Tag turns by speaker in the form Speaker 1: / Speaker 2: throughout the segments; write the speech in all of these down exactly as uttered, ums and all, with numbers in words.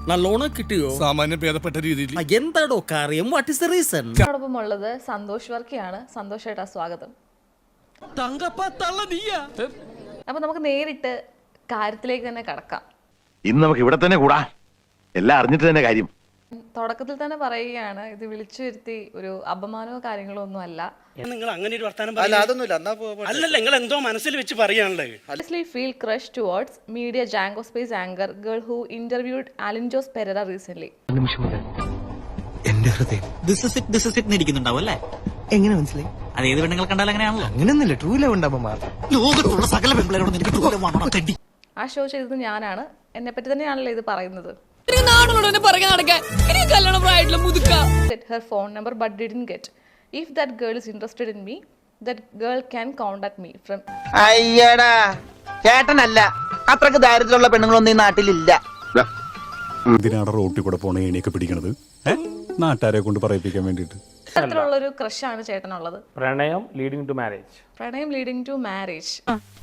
Speaker 1: നല്ലോണം കിട്ടിയോ?
Speaker 2: സാമാന്യം ഭേദപ്പെട്ട രീതിയിൽ.
Speaker 1: എന്താടോ കാര്യം? What is the reason?
Speaker 3: എന്നോടൊപ്പം ഉള്ളത് സന്തോഷ് വർക്കിയാണ്. സന്തോഷ് ഏട്ടാ, സ്വാഗതം. അപ്പൊ നമുക്ക് നേരിട്ട് കാര്യത്തിലേക്ക് തന്നെ കടക്കാം.
Speaker 4: ഇന്ന് നമുക്ക് ഇവിടെ തന്നെ കൂടാ, എല്ലാം അറിഞ്ഞിട്ട് തന്നെ കാര്യം.
Speaker 3: തുടക്കത്തിൽ തന്നെ പറയുകയാണ്, ഇത് വിളിച്ചു വരുത്തി ഒരു അപമാനമോ കാര്യങ്ങളോ ഒന്നും അല്ല.
Speaker 5: നിങ്ങൾ അങ്ങനെ ഒരു വർത്താനം അല്ലല്ല, നിങ്ങൾ എന്തോ മനസ്സിൽ വെച്ച് പറയാണല്ലേ.
Speaker 3: Honestly feel crush towards media Django Space anchor girl who interviewed Alan Jos Pereira recently.
Speaker 6: എന്റെ ഹൃദയം
Speaker 7: this is it this is it ഇരിക്കുന്നുണ്ടാവും അല്ലേ?
Speaker 6: എങ്ങനെ മനസ്സിലായി?
Speaker 7: അത് ഏത് പെണ്ണുങ്ങൾ കണ്ടാലും അങ്ങനെയാണല്ലോ.
Speaker 6: അങ്ങനെയൊന്നുമില്ല, ട്രൂ ലവ് ഉണ്ടാവുമ്പോ
Speaker 7: ലോകത്തുള്ള സകല പെൺപിള്ളേരോട് എനിക്ക് ട്രൂ ലവ് ആണോ തെണ്ടി?
Speaker 3: ആ ഷോ ചെയ്തത് ഞാനാണ്. എന്നെ പറ്റി തന്നെയാണല്ലോ ഇത് പറയുന്നത്. Get her phone number but didn't get. If that girl is interested in me, that girl can contact me from.
Speaker 8: അയ്യടാ, ചേട്ടനല്ല, അത്രക്ക് ദാരിദ്ര്യമുള്ള പെണ്ണുങ്ങളൊന്നും ഈ നാട്ടിലില്ല.
Speaker 2: എന്തിനാണ് റോട്ടിൽ കൂടെ പോണ ഏണിയൊക്കെ പിടിക്കണത്? നാട്ടുകാരെ കൊണ്ട് പറയിപ്പിക്കാൻ വേണ്ടിട്ട്.
Speaker 3: അത്തരത്തിലുള്ളൊരു ക്രഷാണ് ചേട്ടനുള്ളത്.
Speaker 9: പ്രണയം ലീഡിംഗ് ടു മാരേജ്.
Speaker 3: പ്രണയം ലീഡിംഗ് ടു മാരേജ്.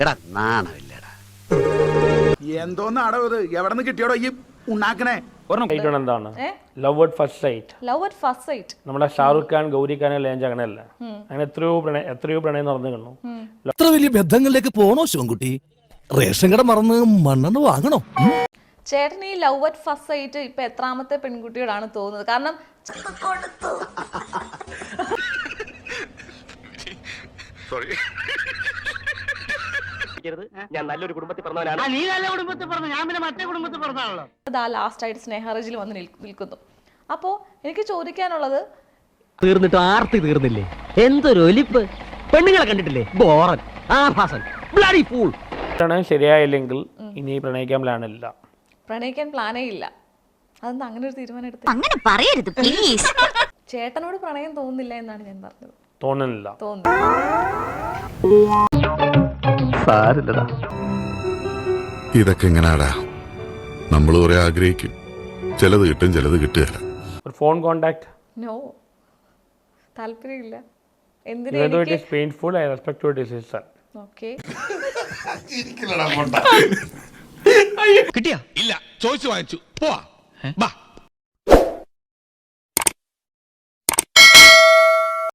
Speaker 10: എന്തോന്നാടോ ഇത്? എവിടെ നിന്ന് കിട്ടിയോടോ ഈ ഉണ്ടാക്കണേ?
Speaker 9: എന്താണ് love at first sight?
Speaker 3: Love at first sight
Speaker 9: നമ്മുടെ ഷാറുഖ് ഖാൻ ഗൗരി ഖാൻ ലേഞ്ച് അങ്ങനെയല്ല. അങ്ങനെ എത്രയോ പ്രണയം എത്രയോ പ്രണയം നടന്നു കാണുന്നു.
Speaker 1: അത്ര വലിയ ബന്ധങ്ങളിലേക്ക് പോണോ ശിവൻകുട്ടി? റേഷൻ കട മറന്ന് മണ്ണെണ്ണ വാങ്ങണോ?
Speaker 3: ചേട്ടൻ ഈ ലവ് അറ്റ് ഫസ്റ്റ് സൈറ്റ് ഇപ്പൊ എത്രാമത്തെ പെൺകുട്ടിയോടാണ് തോന്നുന്നത്? കാരണം
Speaker 4: ഞാൻ നല്ലൊരു കുടുംബത്തിൽ പറഞ്ഞവനാണ്.
Speaker 8: നീ നല്ല കുടുംബത്തിൽ പറഞ്ഞു, ഞാൻ പിന്നെ മറ്റേ കുടുംബത്തിൽ പറഞ്ഞാണല്ലോ.
Speaker 3: ഇതാ ലാസ്റ്റ് ആയിട്ട് സ്നേഹറജിൽ വന്ന് നിൽക്കുന്നു. അപ്പോ എനിക്ക് ചോദിക്കാനുള്ളത്,
Speaker 8: തീർന്നിട്ട് ആർത്തി തീർന്നില്ലേ? എന്തൊരു ഒലിപ്പ്! പെണ്ണുങ്ങളെ കണ്ടിട്ടില്ലേ? ബോറൻ, ആഭാസൻ, ബ്ലഡി ഫൂൾ.
Speaker 9: പ്രണയം ശരിയായില്ലെങ്കിൽ ഇനി പ്രണയിക്കാൻ പ്ലാനില്ല.
Speaker 3: പ്രണയിക്കാൻ പ്ലാനേ ഇല്ല. അതെന്താ അങ്ങനെ ഒരു തീരുമാനം എടുത്തത്?
Speaker 11: അങ്ങനെ പറയരുത് പ്ലീസ്.
Speaker 3: ചേട്ടനോട് പ്രണയം തോന്നുന്നില്ല എന്നാണ് ഞാൻ പറഞ്ഞത്.
Speaker 9: തോന്നുന്നില്ല.
Speaker 2: ഇതൊക്കെ എങ്ങനാടാ? നമ്മൾ കുറെ ആഗ്രഹിക്കും, ചിലത് കിട്ടും, ചിലത് കിട്ടുകയില്ല.
Speaker 9: ഒരു ഫോൺ കോണ്ടാക്ട്?
Speaker 3: നോ, താല്പര്യമില്ല.
Speaker 9: Even it is painful, I respect your decision.
Speaker 3: Okay.
Speaker 2: കിട്ടിയാ? ഇല്ല, ചോദിച്ചു വാങ്ങിച്ചു. പോവാ.